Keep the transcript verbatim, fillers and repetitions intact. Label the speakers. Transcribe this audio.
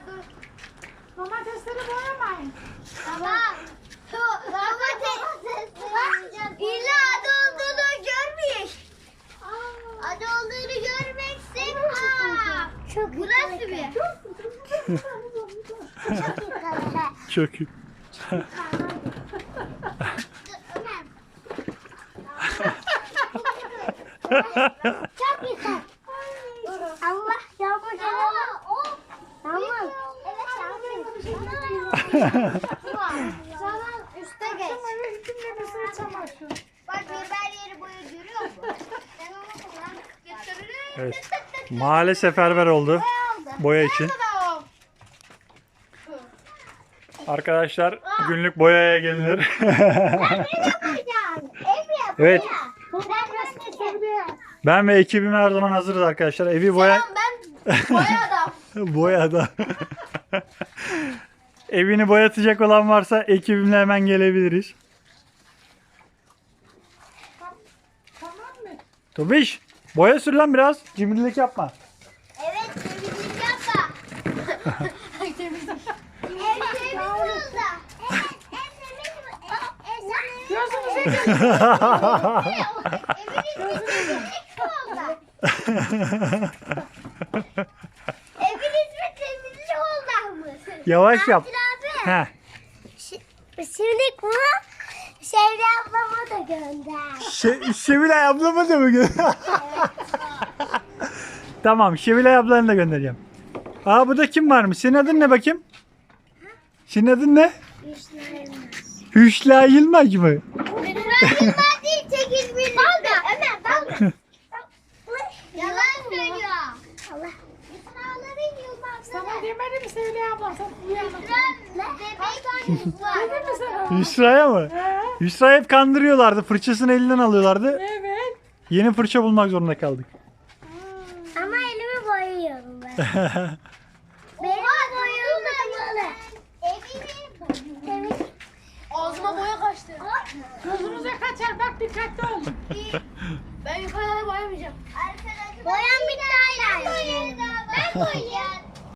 Speaker 1: dur.
Speaker 2: Domatesleri boyamayın.
Speaker 1: Tamam. Domates. İlla adı olduğunu görmüş. Adı olduğunu görmeksin. Çok burası mı?
Speaker 3: Çok iyi.
Speaker 1: Çok güzel. Allah yağmur geliyor. Yağmur. Evet yağmur. Sana üste geç.
Speaker 2: Akşam eve gittiğimde bir sürü çamaşır.
Speaker 1: Bak biber yeri boyu görüyor musun? Ben onu kullanıp götürürüm.
Speaker 3: Evet. Mahalle seferber oldu boya için. Arkadaşlar günlük boyaya gelinir. Evet. Ben ve ekibim her zaman hazırız arkadaşlar. Evi boya
Speaker 1: Ben boya adam.
Speaker 3: boyada. Evini boyatacak olan varsa ekibimle hemen gelebiliriz.
Speaker 2: Tamam mı?
Speaker 3: Tobiş, boya sür lan biraz. Cimrilik yapma.
Speaker 1: Evet temizlik yapma. Ev temiz oldu. Evet ev temiz mi? Ev temiz.
Speaker 2: Gözünüze
Speaker 1: Evin ismi oldu. Evin ismi temizlik oldu mı?
Speaker 3: Yavaş yap.
Speaker 1: Abi.
Speaker 3: Heh.
Speaker 1: Şimdi bunu Şevri ablama da gönder.
Speaker 3: Şe Şevilay ablama da mı gönder? Tamam, Şevilay ablanı da göndereceğim. Aa, bu da kim varmış? Senin adın ne bakayım? Senin adın ne? Hüşla Yılmaz mı?
Speaker 1: Lütfen Yılmaz değil sekiz bin. Dalga Ömer dalga. Yalan söylüyor. Allah. Yıkınaların Yılmaz.
Speaker 2: sana demedim mi Sevda abla? Sen uyanık.
Speaker 1: Lütfen bebek var.
Speaker 2: Dedim mi sana?
Speaker 3: Hüsra'ya mı?
Speaker 2: He?
Speaker 3: Hüsra hep kandırıyorlardı. Fırçasını elinden alıyorlardı.
Speaker 2: Evet.
Speaker 3: Yeni fırça bulmak zorunda kaldık.
Speaker 1: Ama elimi boyuyorum ben. Benim boyum da böyle. Evimi ağzıma boya kaçtı.
Speaker 2: Gözünüze kaçar. Bak dikkatli ol.
Speaker 1: Ben yukarıda boyamayacağım. Boyam bitti hala. Ben boyayacağım.